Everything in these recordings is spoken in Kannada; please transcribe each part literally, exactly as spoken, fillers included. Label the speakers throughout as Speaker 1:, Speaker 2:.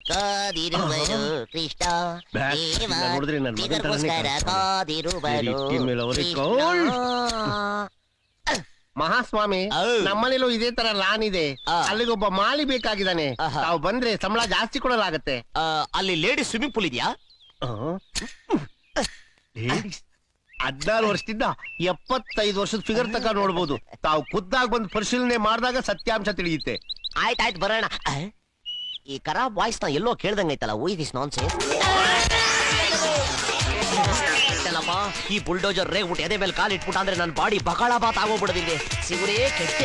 Speaker 1: ಕಾದಿರುವರು ಕೃಷ್ಣ ದೇವರಿಗೋಸ್ಕರ ಕಾದಿರುವರು
Speaker 2: ಮಹಾಸ್ವಾಮಿ, ನಮ್ಮನೇಲೂ ಇದೇ ತರ ಲಾನ್ ಇದೆ. ಅಲ್ಲಿಗೊಬ್ಬ ಮಾಲಿ ಬೇಕಾಗಿದ್ದಾನೆ. ತಾವು ಬಂದ್ರೆ ಸಂಬಳ ಜಾಸ್ತಿ ಕೊಡಲಾಗತ್ತೆ.
Speaker 1: ಅಲ್ಲಿ ಲೇಡೀಸ್ ಸ್ವಿಮ್ಮಿಂಗ್ ಪೂಲ್ ಇದೆಯಾ?
Speaker 2: ಹದಿನಾರು ವರ್ಷದಿಂದ ಎಪ್ಪತ್ತೈದು ವರ್ಷದ ಫಿಗರ್ ತಕ ನೋಡ್ಬೋದು. ತಾವು ಖುದ್ದಾಗಿ ಬಂದು ಪರಿಶೀಲನೆ ಮಾಡಿದಾಗ ಸತ್ಯಾಂಶ ತಿಳಿಯುತ್ತೆ.
Speaker 1: ಆಯ್ತಾಯ್ತು, ಬರೋಣ. ಈ ಖರಾಬ್ ವಾಯ್ಸ್ ನ ಎಲ್ಲೋ ಕೇಳ್ದಂಗೈತಲ್ಲ. Why this nonsense? ಈ ಬುಲ್ಡೋಜರ್ ರೇಗ್ಬಿಟ್ಟು ಎದೆ ಮೇಲೆ ಕಾಲು ಇಟ್ಬಿಟ್ಟು ಅಂದ್ರೆ ನನ್ನ ಬಾಡಿ ಬಕಾಳ ಬಾತ್ ಆಗೋಗ್ಬಿಡದಿದೆ. ಸಿಗುರೇ ಕೆಟ್ಟೆ.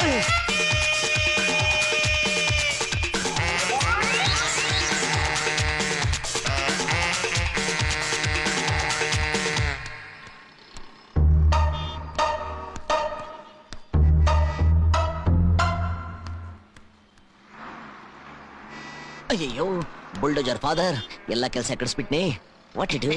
Speaker 1: ಅಯ್ಯೋ, ಬುಲ್ಡೋಜರ್ ಫಾದರ್ ಎಲ್ಲ ಕೆಲಸ ಕಳಿಸ್ಬಿಟ್ನಿ. What it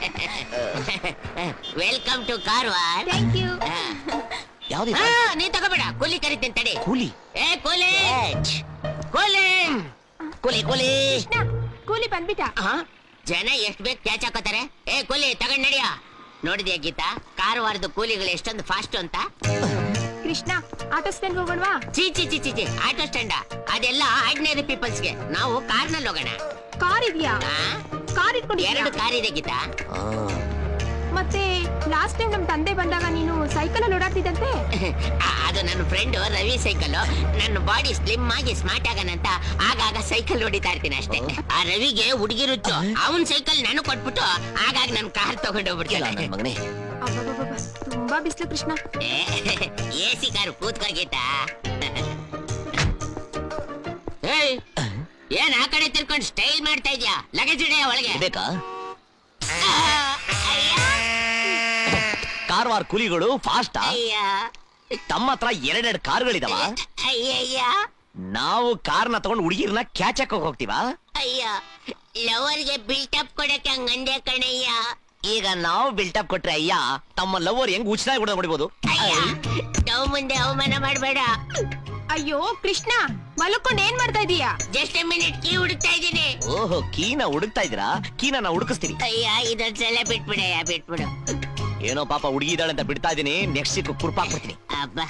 Speaker 1: welcome to Karwar.
Speaker 3: Thank you.
Speaker 1: ಯಾವ್ದು?
Speaker 4: ನೀ ತಗೋಬೇಡ, ಕೂಲಿ ಕರಿತೇನೆ ತಡಿ.
Speaker 1: ಕೂಲಿ?
Speaker 4: ಏ ಕೂಲಿ ಕೂಲಿ
Speaker 1: ಕೂಲಿ ಕೂಲಿ
Speaker 3: ಕೂಲಿ ಬಂದ್ಬಿಟ್ಟ.
Speaker 4: ಜನ ಎಷ್ಟ್ ಬೇಕು ಕ್ಯಾಚ್ ಹಾಕೋತಾರೆ. ಏ ಕೂಲಿ ತಗೊಂಡ್ ನಡಿಯ. ನೋಡಿದ್ಯಾ ಗೀತಾ, ಕಾರವಾರದ ಕೂಲಿಗಳು ಎಷ್ಟೊಂದು ಫಾಸ್ಟ್ ಅಂತ.
Speaker 3: ಕೃಷ್ಣ, ಆಟೋ ಸ್ಟ್ಯಾಂಡ್ ಹೋಗೋಣವಾ?
Speaker 4: ಚೀ ಚಿ ಚಿ ಚಿ ಚಿ ಆಟೋ ಸ್ಟ್ಯಾಂಡ ಅದೆಲ್ಲ ಆರ್ಡಿನರಿ ಪೀಪಲ್ಸ್ಗೆ. ನಾವು ಕಾರ್ನಲ್ಲಿ ಹೋಗೋಣ.
Speaker 3: ಕಾರ್ ಇದೆಯಾ? ಕಾರ್ ಇಟ್ಕೊಂಡು
Speaker 4: ಎರಡು ಕಾರ್ ಇದೆ ಗೀತಾ.
Speaker 3: ಮತ್ತೆ ಲಾಸ್ಟ್ ಟೈಮ್ ನಮ್ ತಂದೆ ಬಂದಾಗ ನೀನು ಸೈಕಲ್ ಅಲ್ಲಿ ಓಡಾಡ್ತಿದ್ದಂತೆ.
Speaker 4: ಅದು ನನ್ನ ಫ್ರೆಂಡ್ ರವಿ ಸೈಕಲ್. ನನ್ನ ಬಾಡಿ ಸ್ಲಿಮ್ ಆಗಿ ಸ್ಮಾರ್ಟ್ ಆಗನಂತ ಆಗಾಗ ಸೈಕಲ್ ಹೊಡಿತಾ ಇರ್ತೀನಿ ಅಷ್ಟೇ. ಆ ರವಿಗೆ ಹುಡುಗಿ ರುಚ್ಚು. ಅವನ್ ಸೈಕಲ್ ನಾನು ಕೊಟ್ಬಿಟ್ಟು ಆಗಾಗ ನನ್ ಕಾರ್ ತಗೊಂಡು ಹೋಗ್ಬಿಡ್ತೀನಿ.
Speaker 1: ಮಗನೇ,
Speaker 3: ತುಂಬಾ ಬಿಸ್ಲು ಕೃಷ್ಣ.
Speaker 4: ಎ ಸಿ ಕಾರು ಕೂತ್ಕೋ ಗೀತಾ. ಏನ್ ಆ ಕಡೆ ತಿರ್ಕೊಂಡು ಸ್ಟೈಲ್ ಮಾಡ್ತಾ ಇದ್ಯಾ? ಲಗೇಜ್ ಇಡೆಯ ಒಳಗೆ
Speaker 1: ಬೇಕಾ? ಕಾರವಾರ ಕೂಲಿಗಳು ಫಾಸ್ಟ್. ತಮ್ಮ ಹತ್ರ ಎರಡೆರಡು ಕಾರ್ಗಳಿದಾವ.
Speaker 4: ಅಯ್ಯಯ್ಯ,
Speaker 1: ನಾವು ಕಾರ್ನ ತಗೊಂಡು ಹುಡುಗಿರ್ನ ಕ್ಯಾಚ್ ಹಾಕೋಕ್ ಹೋಗ್ತೀವ.
Speaker 4: ಅಯ್ಯ, ಲವರ್ಗೆ ಬಿಲ್ಟಪ್ ಕೊಡಕ್ಕೆ ಹಂಗಂದೆ ಕಣಯ್ಯ.
Speaker 1: ಈಗ ನಾವು ಬಿಲ್ಟಪ್ ಕೊಟ್ರೆ ಅಯ್ಯ, ತಮ್ಮ ಲವರ್ ಹೆಂಗ್ ಉಚಿತಾಗಿ ಕೂಡ ಹೊಡಿಬೋದು.
Speaker 4: ತಾವ್ ಮುಂದೆ ಅವಮಾನ ಮಾಡ್ಬೇಡ.
Speaker 3: ಅಯ್ಯೋ ಕೃಷ್ಣ, ಮಲ್ಕೊಂಡ್ ಏನ್ ಮಾಡ್ತಾ ಇದೀಯಾ?
Speaker 4: ಜಸ್ಟ್ ಎ ಮಿನಿಟ್, ಕೀ ಹುಡುಕ್ತಾ ಇದ್ದೀನಿ.
Speaker 1: ಓಹೋ, ಕೀನ ಹುಡುಕ್ತಾ ಇದ್ರಾ? ಕೀನ ನಾ ಹುಡುಕಿಸ್ತೀನಿ.
Speaker 4: ಅಯ್ಯ, ಇದೊಂದ್ಸಲ ಬಿಟ್ಬಿಡಯ್ಯ, ಬಿಟ್ಬಿಡು.
Speaker 1: ಏನೋ ಪಾಪ ಹುಡುಗಿ ಇದ್ದಾಳೆ ಅಂತ ಬಿಡ್ತಾ ಇದೀನಿ. ನೆಕ್ಸ್ಟ್ ಸಿಕ್ ಕುರ್ಪಾಕ್ಬಿಡ್ತೀನಿ.
Speaker 4: ಅಬ್ಬಾ,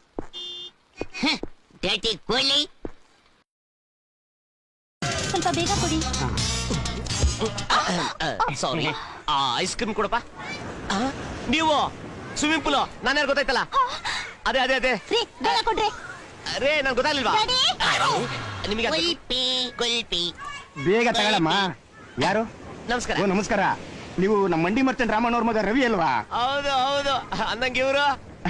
Speaker 4: ಡರ್ಟಿ ಕೂಲಿ.
Speaker 3: ಸ್ವಲ್ಪ ಬೇಗ ಕೊಡಿ.
Speaker 1: ಸಾರಿ, ಐಸ್ ಕ್ರೀಮ್ ಕೊಡಪ್ಪ. ನೀವು ಸ್ವಿಮ್ಮಿಂಗ್ ಪೂಲ್ ನಾನು ಯಾರು ಗೊತ್ತಾಯ್ತಲ್ಲ? ಅದೇ ಅದೇ ಅದೇ
Speaker 3: ಬೇಗ ಕೊಡ್ರಿ.
Speaker 1: ಅರೇ, ನನ್ ಗೊತ್ತಾಗ್ಲಿಲ್ವಾ ನಿಮಗೆ?
Speaker 4: ಕುಲ್ಪಿ ಕುಲ್ಪಿ
Speaker 5: ಬೇಗ ತಗೊಳಮ್ಮ. ಯಾರು?
Speaker 1: ನಮಸ್ಕಾರ.
Speaker 5: ಓ ನಮಸ್ಕಾರ. ನೀವು ನಮ್ಮ ಮಂಡಿ ಮರ್ತನ್ ರಾಮಣ್ಣ ಅವ್ರ ಮಗ ರವಿ ಅಲ್ವಾ?
Speaker 1: ಹೌದು ಹೌದು. ಅಂದಂಗೆ ಇವರು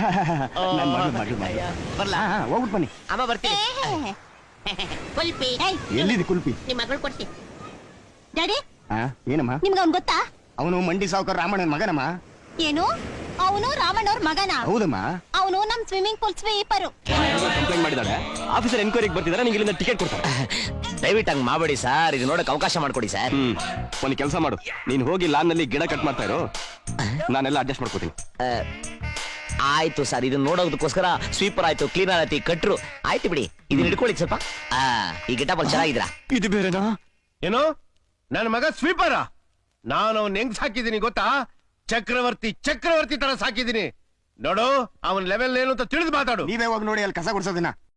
Speaker 5: ಬರ್ಲಾ? ಹೋಗ್ಬಿಟ್ಟು ಬನ್ನಿ.
Speaker 1: ಅಮ್ಮ ಬರ್ತೀನಿ.
Speaker 4: ಕುಲ್ಪಿ
Speaker 5: ಎಲ್ಲಿದೆ ಕುಲ್ಪಿ?
Speaker 4: ನಿಮ್ ಮಗಳು ಕೊಡ್ತೀನಿ.
Speaker 3: ಡ್ಯಾಡಿ,
Speaker 5: ಏನಮ್ಮ?
Speaker 3: ನಿಮ್ಗೆ ಅವ್ನ್ ಗೊತ್ತಾ?
Speaker 5: ಅವನು ಮಂಡಿ ಸಾವುಕಾರ ರಾಮಣ್ಣನ ಮಗನಮ್ಮ.
Speaker 3: ಏನು? ಅವನು ರಾಮಣ್ಣವ್ರ ಮಗನ?
Speaker 5: ಹೌದಮ್ಮ.
Speaker 3: ಅವನು ನಮ್ ಸ್ವಿಮ್ಮಿಂಗ್ ಪೂಲ್ ಸ್ವೀಪರು.
Speaker 5: ಕಂಪ್ಲೇಂಟ್ ಮಾಡಿದಾಳೆ. ಆಫೀಸರ್ ಎನ್ಕ್ವೈರಿಗೆ ಬರ್ತಿದಾರೆ. ನಿಂಗೆ ಇಲ್ಲಿಂದ ಟಿಕೆಟ್ ಕೊಡ್ತಾರೆ.
Speaker 1: ದಯವಿಟ್ಟು ಹಂಗ್ ಮಾಡಬೇಡಿ ಸರ್. ಇದು ನೋಡಕ್ ಅವಕಾಶ ಮಾಡ್ಕೊಡಿ ಸರ್.
Speaker 5: ಹ್ಮ್, ಒಂದು ಕೆಲಸ ಮಾಡು. ನೀನ್ ಹೋಗಿ ಲಾನ್ ನಲ್ಲಿ ಗಿಡ ಕಟ್ ಮಾಡ್ತಾ ಇರೋ, ನಾನೆಲ್ಲ ಅಡ್ಜಸ್ಟ್ ಮಾಡ್ಕೋತೀನಿ.
Speaker 1: ಆಯ್ತು ಸರ್. ಇದನ್ನ ನೋಡೋದಕ್ಕೋಸ್ಕರ ಸ್ವೀಪರ್ ಆಯ್ತು, ಕ್ಲೀನರ್ ಆಯ್ತು, ಕಟ್ರು ಆಯ್ತು ಬಿಡಿ. ಇದನ್ನ ಹಿಡ್ಕೊಳ್ಳಿ ಸ್ವಲ್ಪ. ಆ ಈ ಗಿಟಪ್ ಅಲ್ಲಿ ಚೆನ್ನಾಗಿದ್ರಾ?
Speaker 5: ಇದು ಬೇರೆನಾ?
Speaker 2: ಏನೋ ನನ್ನ ಮಗ ಸ್ವೀಪರ? ನಾನು ಅವನ್ ಹೆಂಗ್ ಸಾಕಿದೀನಿ ಗೊತ್ತಾ? ಚಕ್ರವರ್ತಿ ಚಕ್ರವರ್ತಿ ತರ ಸಾಕಿದೀನಿ. ನೋಡು, ಅವನ್ ಲೆವೆಲ್ ಏನು ಅಂತ ತಿಳಿದು ಮಾತಾಡು.
Speaker 5: ನೀವೇ ಹೋಗಿ ನೋಡಿ ಅಲ್ಲಿ ಕಸ ಗುಡ್ಸೋದಿನ.